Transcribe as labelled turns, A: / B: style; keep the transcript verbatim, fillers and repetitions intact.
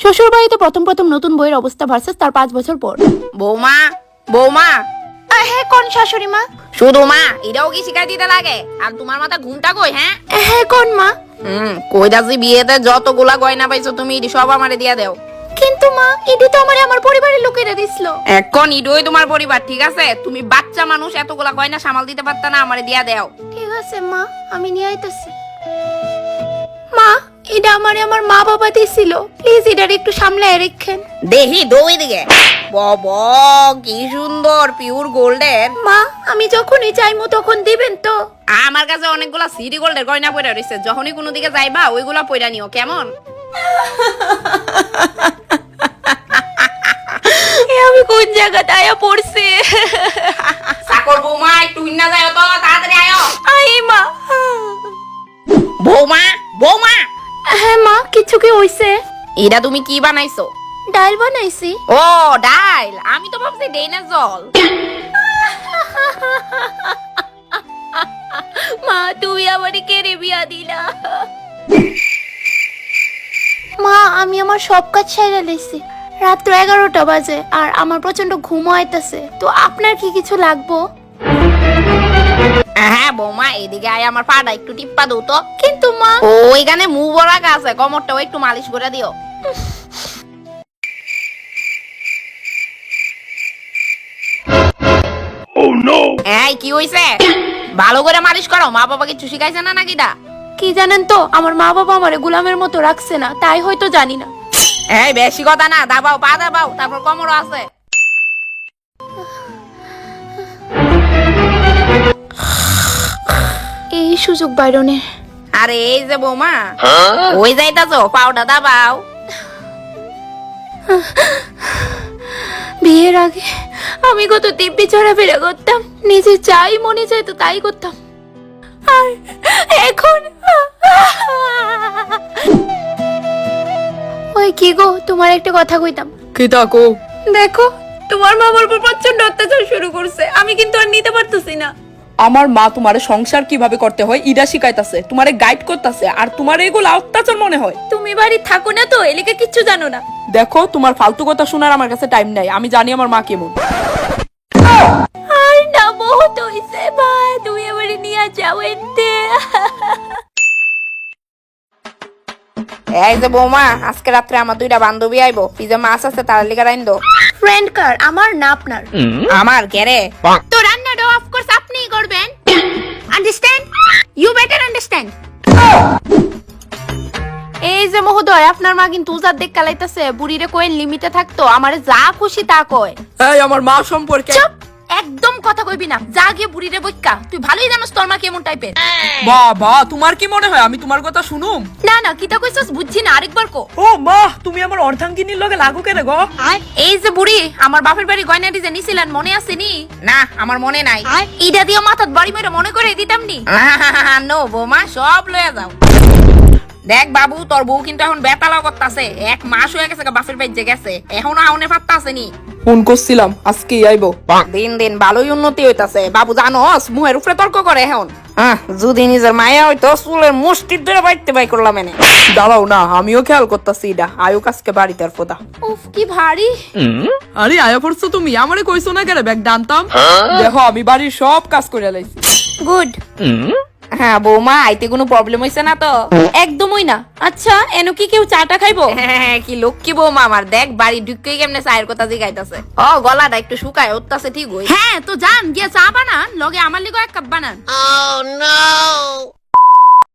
A: শ্বশুর বাড়িতে প্রথম প্রথম নতুন বইয়ের অবস্থা ভার্সেস তার পাঁচ বছর পর।
B: বৌমা বৌমা
A: হ্যাঁ কোন শাশুড়ি মা?
B: শুধু মা এটাও কি শিখাই দিতে লাগে? আর তোমার মাথা ঘুমটা কই? হ্যাঁ
A: হ্যাঁ কোন মা?
B: হুম কই দাসি বিয়েতে যতগুলা গয়না পাইছো তুমি ইডি সব আমারে দিয়া দাও।
A: কিন্তু মা এটি তো আমারে আমার পরিবারের লোকেরা দিছিল।
B: এখন ইডোই তোমার পরিবার, ঠিক আছে? তুমি বাচ্চা মানুষ, এতগুলা গয়না সামাল দিতে পারতা না? আমারে দিয়া দাও।
A: ঠিক আছে মা, আমি নিয়ে আইতাছি। মা এটা আমারে আমার মা বাবা দিছিল, প্লিজ এটার একটু সামলায় রাখেন।
B: দেখি দই দিকে বাবা কি সুন্দর পিওর গোল্ডের।
A: মা আমি যখনই চাইমু তখন দিবেন তো?
B: আমার কাছে অনেকগুলা সিটি গোল্ডের গয়না পড়ে রয়েছে, যখনই কোনো দিকে যাইবা ওইগুলা পয়রা নিও, কেমন?
A: আমি কোন জায়গাতে আয়া পড়ছি?
B: সাকর বৌমা একটু হিন্না যায় তো, তাড়াতাড়ি আয়ো।
A: আই মা।
B: বৌমা বৌমা
A: হ্যাঁ মা, কিছু কি হইছে?
B: এটা তুমি কি বানাইছো?
A: ডাল বানাইছি।
B: ও ডাল, আমি তো ভাবছি ডেইনা জল।
A: মা তুমি আমারে কেড়ে বিয়া দিলা। মা আমি আমার সব কাজ সেরে লইছি, রাত্র এগারোটা বাজে আর আমার প্রচন্ড ঘুম আইতাছে, তো আপনার কি কিছু লাগবো?
B: হ্যাঁ বৌমা এদিকে আয়, আমার পাটা একটু টিপ্পা দাও তো।
A: কিন্তু মা
B: ওইখানে মুভ রাখা আছে, কোমরটাও একটু মালিশ করে দিও। এই কি হইছে? ভালো করে মালিশ করো, মা বাবা কিছু শিখাইছে না নাকি? দা
A: কি জানেন তো, আমার মা বাবা আমারে গোলামের মতো রাখছে না, তাই হয়তো জানি না।
B: এই বেশি কথা না, দাবাও পা দাবাও, তারপর কোমরও আছে।
A: এই সুযোগ বাইরনের।
B: আরে এই যে বৌমা ওই যাইতাছো, পাউডা দাবাও।
A: বিয়ের আগে আমি কত দিব্যি চড়াফেরা করতাম, নিজে চাই মনে চাইতো তাই করতাম, আর এখন ওই কি গো, তোমার একটা কথা কইতাম।
C: কি তাকো?
A: দেখো তোমার মা আমার উপর প্রচন্ড অত্যাচার শুরু করছে, আমি কিন্তু আর নিতে পারতেছি না।
C: আমার মা তোমারে সংসার কিভাবে করতে হয় ইডা শিখাইতাছে, তোমারে গাইড করতেছে, আর তোমার এগুলো অত্যাচার মনে হয়।
A: তুমি বাড়ি থাকো না তো, এলিকে কিচ্ছু জানো না।
C: দেখো তোমার ফালতু কথা শোনার আমার কাছে টাইম নাই, আমি জানি আমার মা কেমন।
A: আর না বহুত হইছে মা, তুমি আমারে নিয়ে যাও এতে।
B: এই যে বৌমা আজকে রাত্রে আমার দুইটা বান্ধবী আইবো, পিজা মাছ আছে তার লিগা রাইন দো।
A: ফ্রেন্ড কার, আমার না আপনার।
B: আমার কেরে?
A: তো রান্নাটা অফ কোর্স আপনিই করবেন, আন্ডারস্ট্যান্ড? You better understand. এই যে মহোদয়, আপনার মা কিন্তু উজার দেখ কালাইতাছে, বুড়িরে কইন লিমিটে থাকতো, আমারে যা খুশি তা কয়।
C: এই আমার মা সম্পর্কে
A: চুপ, একদম কথা কইবি না, যা গিয়ে বুড়িরে বইক্কা, তুই ভালোই জানোস তোর মা কেমন টাইপের।
C: বাবা তোমার কি মনে হয় আমি তোমার কথা শুনুম?
A: না না, কিতা কইছস বুঝছি না, আরেকবার কো।
C: ও মা তুমি আমার অর্ধাঙ্গিনীর লগে লাগু কেন গো?
A: এই যে বুড়ি, আমার বাপের বাড়ি গয়নাটি যে নিছিলেন মনে আছে নি?
B: না আমার মনে নাই।
A: ইডা দিয়ে মাথাত বাড়ি মেরে মনে করে দিতাম নি।
B: নো বৌমা সব লয়ে যাও। দেখ বাবু তোর বউ কিন্তু এখন বেতালাও করতাছে, এক মাস হয়ে গেছে বাপের বাড়িতে গেছে, এখনো আউনে পাত্তা আসেনি।
C: ফোন করছিলাম আজকেই আইবো।
B: দিন দিন ভালোই উন্নতি হইতাছে বাবু, জানোস মুহের উপরে তর্ক করে এখন। হ্যাঁ যদি নিজের মায়া হইতো চুলের মুষ্টির ধরে বাইতে বাই করলাম এনে।
C: দাঁড়াও না, আমিও খেয়াল করতেছি এটা আয়ুক আজকে বাড়িতে আর ফোদা।
A: উফ কি ভারী।
C: আরে আয়া পড়ছো তুমি, আমারে কইছো না কেন ব্যাগ ডানতাম? দেখো আমি বাড়ির সব কাজ করে লাইছি।
A: গুড।
B: হ্যাঁ বৌমা আইতে কোনো প্রবলেম হইছে না তো?
A: একদমই না। আচ্ছা এনো কি কেউ চাটা খাইবো?
B: হ্যাঁ কি লক্ষ্মী বৌমা আমার, দেখ বাড়ি ঢুকে কেমনে চায়ের কথা জিগাইতাছে। ও গলাটা একটু শুকায় উঠতাছে, ঠিক হই।
A: হ্যাঁ তো যান গিয়া চা বানান, লগে আমার লিগো এক কাপ বানান।
B: Oh no!